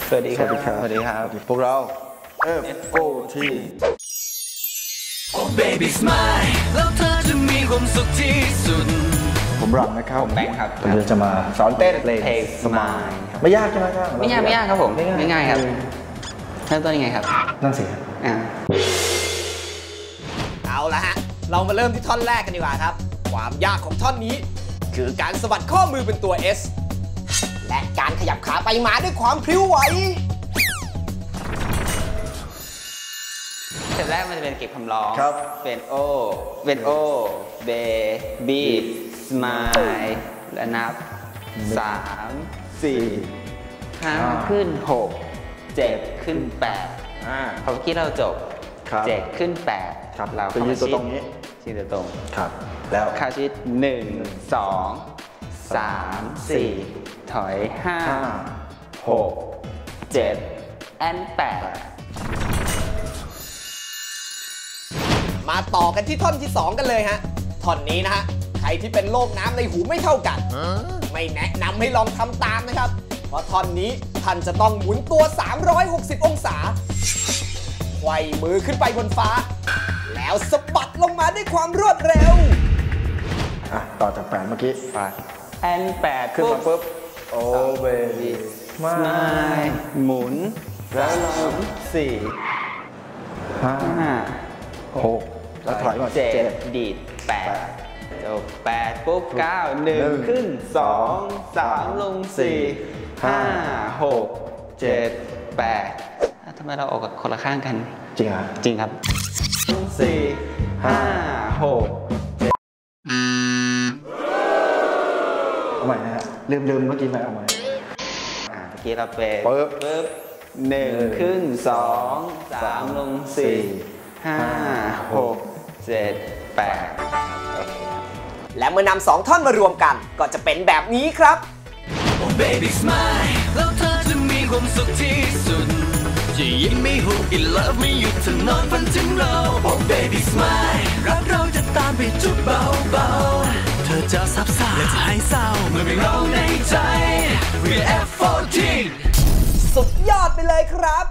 สวัสดีครับสวัสดีครับพวกเรา FOT Oh baby smile แล้วเธอจะมีความสุขที่สุดผมรังนะครับผมแบงค์ครับผมจะมาสอนเต้นเพลง Smile ไม่ยากใช่ไหมครับไม่ยากครับผมง่ายครับเริ่มต้นยังไงครับนั่นสิเอาละฮะเรามาเริ่มที่ท่อนแรกกันดีกว่าครับความยากของท่อนนี้คือการสะบัดข้อมือเป็นตัว S และการขยับขาไปมาด้วยความพริ้วไหวสเต็ปแรกมันจะเป็นเก็บคำร้องครับเป็นโอเบบีสมายและนับ3 4 5ขึ้น6 7ขึ้น8พอเมื่อกี้เราจบ7ขึ้น8 ครับเราจะยืนตัวตรงนี้ยืนตัวตรงครับแล้วเข้าชิด1 2 3 4ถอย5 6 7 and 8 มาต่อกันที่ท่อนที่ 2 กันเลยฮะท่อนนี้นะฮะใครที่เป็นโรคน้ำในหูไม่เท่ากันไม่แนะนำให้ลองทำตามนะครับเพราะท่อนนี้ท่านจะต้องหมุนตัว360องศาไขว่มือขึ้นไปบนฟ้าแล้วสะบัดลงมาด้วยความรวดเร็วต่อจาก8เมื่อกี้แอน8 ขึ้นมาปุ๊บโอเบบี้สมายหมุนแล้วลง4 5 6แล้วถอยมา 7ดีด8จบ8ปุ๊บ9 1ขึ้น2 3ลง4 5 6 7 8ทำไมเราออกกับคนละข้างกันจริงเหรอจริงครับ4 5 6 เอาใหม่นะฮะลืมเมื่อกี้ไหมเอาใหม่เมื่อกี้เราเป็นปุ๊บ1ขึ้น2 3ลง4 5 6 7 8 และเมื่อนำ2ท่อนมารวมกันก็จะเป็นแบบนี้ครับ Oh baby smile แล้วเธอจะมีความสุขที่สุดจะยิ้มไม่หุบอีกเลิฟไม่หยุดจะนอนฝันถึงเรา Oh baby smile รักเราจะตามไปจุดเบาๆเธอจะซับซ้อนและจะให้เศร้าเมื่อมีเราในใจ We're F14 สุดยอดไปเลยครับ